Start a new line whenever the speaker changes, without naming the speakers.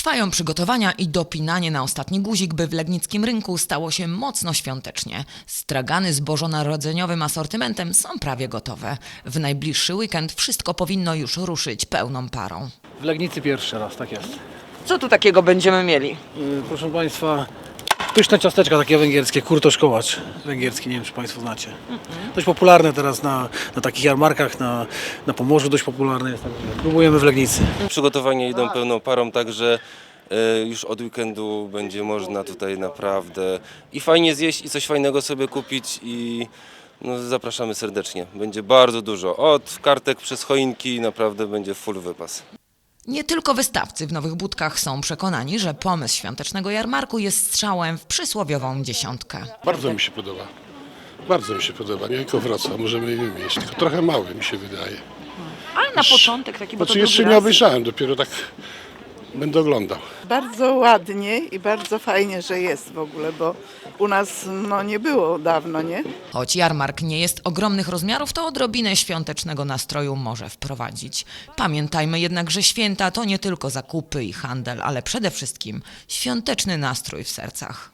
Trwają przygotowania i dopinanie na ostatni guzik, by w legnickim rynku stało się mocno świątecznie. Stragany z bożonarodzeniowym asortymentem są prawie gotowe. W najbliższy weekend wszystko powinno już ruszyć pełną parą.
W Legnicy pierwszy raz, tak jest.
Co tu takiego będziemy mieli?
Proszę Państwa, pyszne ciasteczka takie węgierskie, kurtosz kołacz węgierski, nie wiem czy Państwo znacie. Dość popularne teraz na takich jarmarkach, na Pomorzu dość popularne jest. Próbujemy w Legnicy.
Przygotowania idą pełną parą, także już od weekendu będzie można tutaj naprawdę i fajnie zjeść i coś fajnego sobie kupić i no, zapraszamy serdecznie. Będzie bardzo dużo, od kartek przez choinki naprawdę będzie full wypas.
Nie tylko wystawcy w Nowych Budkach są przekonani, że pomysł świątecznego jarmarku jest strzałem w przysłowiową dziesiątkę.
Bardzo mi się podoba. Bardzo mi się podoba. Nie tylko Wrocław, możemy je mieć. Tylko trochę mały mi się wydaje.
Ale na początek taki, bo to
Znaczy jeszcze
drugi
nie
raz.
obejrzałem, dopiero tak będę oglądał.
Bardzo ładnie i bardzo fajnie, że jest w ogóle, bo u nas nie było dawno, nie?
Choć jarmark nie jest ogromnych rozmiarów, to odrobinę świątecznego nastroju może wprowadzić. Pamiętajmy jednak, że święta to nie tylko zakupy i handel, ale przede wszystkim świąteczny nastrój w sercach.